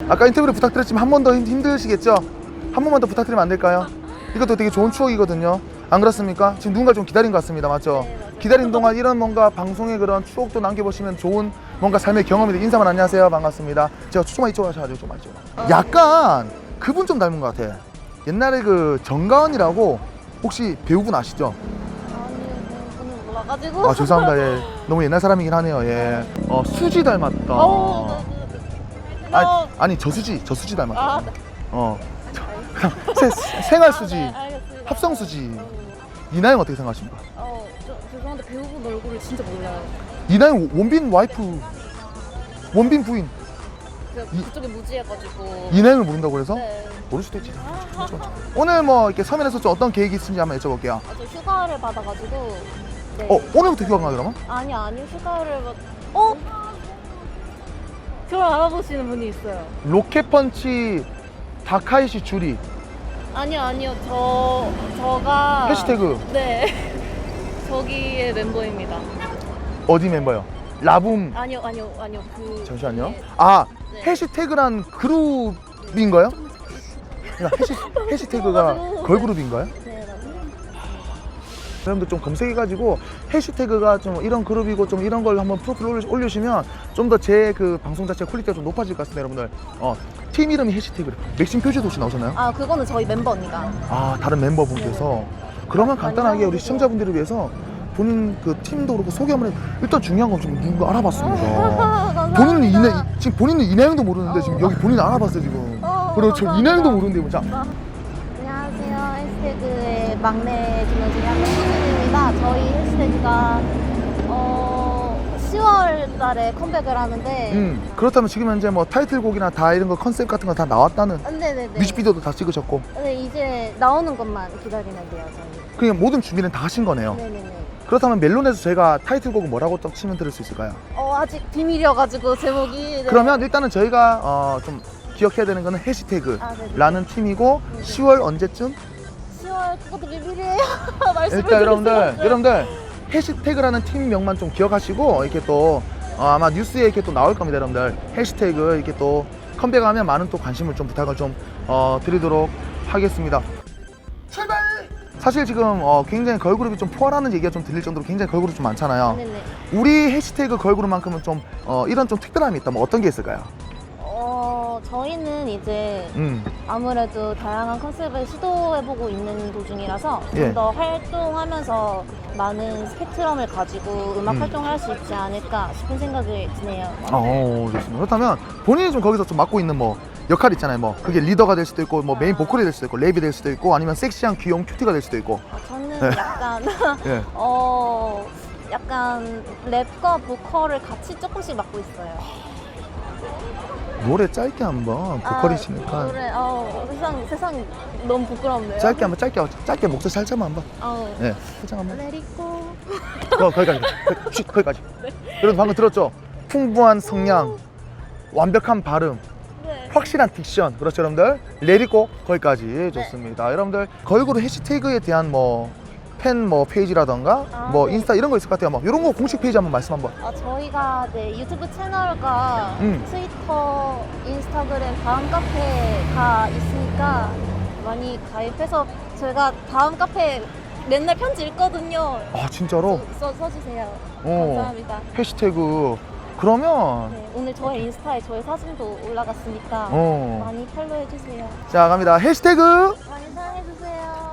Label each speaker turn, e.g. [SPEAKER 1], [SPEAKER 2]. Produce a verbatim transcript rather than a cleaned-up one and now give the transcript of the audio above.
[SPEAKER 1] 아까 인터뷰를 부탁드렸지만 한 번 더 힘드시겠죠? 한 번만 더 부탁드리면 안 될까요? 이것도 되게 좋은 추억이거든요. 안 그렇습니까? 지금 누군가 좀 기다린 것 같습니다. 맞죠?
[SPEAKER 2] 네, 맞아요.
[SPEAKER 1] 기다린 동안 이런 뭔가 방송의 그런 추억도 남겨보시면 좋은 뭔가 삶의 경험이 돼. 인사만 안녕하세요. 반갑습니다. 제가 조금만 이쪽으로 하셔가지고 조금만 이쪽으로. 약간 그분 좀 닮은 것 같아. 옛날에 그 정가은이라고 혹시 배우분 아시죠?
[SPEAKER 2] 아니, 저는 몰라가지고.
[SPEAKER 1] 아 죄송합니다. 예. 너무 옛날 사람이긴 하네요. 예. 어 수지 닮았다.
[SPEAKER 2] 어, 네, 네, 네.
[SPEAKER 1] 아니, 아니 저수지 저수지 닮았다.
[SPEAKER 2] 아,
[SPEAKER 1] 어. 저, 그냥 세, 생활 수지,
[SPEAKER 2] 네, 알겠습니다.
[SPEAKER 1] 합성 수지.
[SPEAKER 2] 어,
[SPEAKER 1] 이나영 어떻게 생각하십니까?
[SPEAKER 2] 어, 저, 죄송한데 배우분 얼굴을 진짜 몰라요.
[SPEAKER 1] 이나영 원빈 와이프, 원빈 부인.
[SPEAKER 2] 그,
[SPEAKER 1] 이-
[SPEAKER 2] 그쪽에 무지해가지고.
[SPEAKER 1] 이나영을 모른다고 그래서?
[SPEAKER 2] 네.
[SPEAKER 1] 모를 수도 있지. 오늘 뭐 이렇게 서면에서 좀 어떤 계획이 있는지 한번 여쭤볼게요.
[SPEAKER 2] 아, 저 휴가를 받아가지고. 네.
[SPEAKER 1] 어 오늘부터 휴가인가 그러면?
[SPEAKER 2] 아니, 아니, 휴가를 받. 어? 저를 알아보시는 분이 있어요.
[SPEAKER 1] 로켓펀치 다카이시 주리
[SPEAKER 2] 아니요, 아니요. 저, 저가.
[SPEAKER 1] 해시태그
[SPEAKER 2] 네. 저기의 멤버입니다.
[SPEAKER 1] 어디 멤버요? 라붐.
[SPEAKER 2] 아니요, 아니요, 아니요. 그.
[SPEAKER 1] 잠시만요.
[SPEAKER 2] 네.
[SPEAKER 1] 아
[SPEAKER 2] 네.
[SPEAKER 1] 해시태그란 그룹인가요? 그러니까 해시, 해시태그가
[SPEAKER 2] 맞아요.
[SPEAKER 1] 걸그룹인가요?
[SPEAKER 2] 네, 맞아요.
[SPEAKER 1] 여러분들 좀 검색해가지고 해시태그가 좀 이런 그룹이고 좀 이런 걸 한번 프로필 올리, 올려주시면 좀 더 제 그 방송 자체 퀄리티가 좀 높아질 것 같습니다. 여러분들 어, 팀 이름이 해시태그래. 맥심 표지도 혹시 나오셨나요?
[SPEAKER 2] 아, 그거는 저희 멤버 언니가.
[SPEAKER 1] 아 다른 멤버분께서 그러면
[SPEAKER 2] 많이
[SPEAKER 1] 간단하게 우리
[SPEAKER 2] 알아주세요.
[SPEAKER 1] 시청자분들을 위해서 본인 그 팀도 그렇고 소개 한번 해. 일단 중요한 건 좀 누군가 알아봤습니다.
[SPEAKER 2] 감사합니다.
[SPEAKER 1] 본인은 이나 지금 본인은 이나영도 모르는데 지금 여기 본인 알아봤어요 지금.
[SPEAKER 2] 어,
[SPEAKER 1] 그리고 저
[SPEAKER 2] 감사합니다.
[SPEAKER 1] 이나영도 모르는데 뭐 자.
[SPEAKER 2] 안녕하세요. 해시태그의 막내 진영 중에 한 명입니다. 저희 해시태그가 어, 시월 달에 컴백을 하는데.
[SPEAKER 1] 음 그렇다면 지금 현재 뭐 타이틀곡이나 다 이런 거 컨셉 같은 거 다 나왔다는
[SPEAKER 2] 아, 네네네.
[SPEAKER 1] 뮤직비디오도 다 찍으셨고
[SPEAKER 2] 네, 이제 나오는 것만 기다리면 돼요, 저희.
[SPEAKER 1] 그냥 모든 준비는 다 하신 거네요.
[SPEAKER 2] 네네네.
[SPEAKER 1] 그렇다면 멜론에서 저희가 타이틀곡은 뭐라고 딱 치면 들을 수 있을까요?
[SPEAKER 2] 어, 아직 비밀이어가지고 제목이. 네.
[SPEAKER 1] 그러면 일단은 저희가 어, 좀 기억해야 되는 거는
[SPEAKER 2] 아,
[SPEAKER 1] 해시태그라는
[SPEAKER 2] 네네.
[SPEAKER 1] 팀이고
[SPEAKER 2] 네네.
[SPEAKER 1] 시월 언제쯤?
[SPEAKER 2] 시월 그것도 비밀이에요. 말씀을
[SPEAKER 1] 일단 여러분들
[SPEAKER 2] 드릴 수가 없어요.
[SPEAKER 1] 여러분들 해시태그라는 팀명만 좀 기억하시고 이렇게 또 어, 아마 뉴스에 이렇게 또 나올 겁니다. 여러분들 해시태그 이렇게 또 컴백하면 많은 또 관심을 좀 부탁을 좀 어, 드리도록 하겠습니다. 출발! 사실 지금 어, 굉장히 걸그룹이 좀 포화라는 얘기가 좀 들릴 정도로 굉장히 걸그룹 좀 많잖아요.
[SPEAKER 2] 네네.
[SPEAKER 1] 우리 해시태그 걸그룹만큼은 좀 어, 이런 좀 특별함이 있다면 어떤 게 있을까요?
[SPEAKER 2] 어, 저희는 이제
[SPEAKER 1] 음,
[SPEAKER 2] 아무래도 다양한 컨셉을 시도해보고 있는 도중이라서
[SPEAKER 1] 예.
[SPEAKER 2] 좀 더 활동하면서 많은 스펙트럼을 가지고 음악
[SPEAKER 1] 음.
[SPEAKER 2] 활동을 할 수 있지 않을까 싶은 생각이 드네요.
[SPEAKER 1] 어, 좋습니다. 그렇다면 본인이 좀 거기서 좀 맡고 있는 뭐 역할 있잖아요. 뭐 그게 리더가 될 수도 있고, 뭐 메인 보컬이 될 수도 있고, 랩이 될 수도 있고, 아니면 섹시한 귀여운 큐티가 될 수도 있고.
[SPEAKER 2] 어, 저는
[SPEAKER 1] 네.
[SPEAKER 2] 약간
[SPEAKER 1] 예.
[SPEAKER 2] 어 약간 랩과 보컬을 같이 조금씩 맡고 있어요.
[SPEAKER 1] 노래 짧게 한번 보컬이시니까
[SPEAKER 2] 아, 노래 어 세상 세상 너무 부끄럽네요.
[SPEAKER 1] 짧게 한번 짧게 짧게 목소리 살짝만 한번.
[SPEAKER 2] 어.
[SPEAKER 1] 예. 살짝 한번.
[SPEAKER 2] Let it go.
[SPEAKER 1] 거, 거기까지. 거기, 쉿, 거기까지. 여러분 방금 들었죠? 풍부한 성량, 완벽한 발음,
[SPEAKER 2] 네.
[SPEAKER 1] 확실한 딕션. 그렇죠, 여러분들? 레디고 거기까지 좋습니다. 여러분들 걸그룹 해시태그에 대한 뭐 팬 뭐 페이지라던가
[SPEAKER 2] 아,
[SPEAKER 1] 뭐
[SPEAKER 2] 네.
[SPEAKER 1] 인스타 이런 거 있을 것 같아요. 뭐 이런 거 공식 페이지 한번 말씀 한번.
[SPEAKER 2] 어, 저희가 네, 유튜브 채널과
[SPEAKER 1] 음.
[SPEAKER 2] 트위터, 인스타그램, 다음 카페가 있으니까 많이 가입해서 저희가 다음 카페 맨날 편지 읽거든요.
[SPEAKER 1] 아 진짜로?
[SPEAKER 2] 써, 써주세요.
[SPEAKER 1] 어.
[SPEAKER 2] 감사합니다.
[SPEAKER 1] 해시태그 그러면
[SPEAKER 2] 네, 오늘 저의 인스타에 저의 사진도 올라갔으니까
[SPEAKER 1] 어.
[SPEAKER 2] 많이 팔로우해주세요.
[SPEAKER 1] 자 갑니다. 해시태그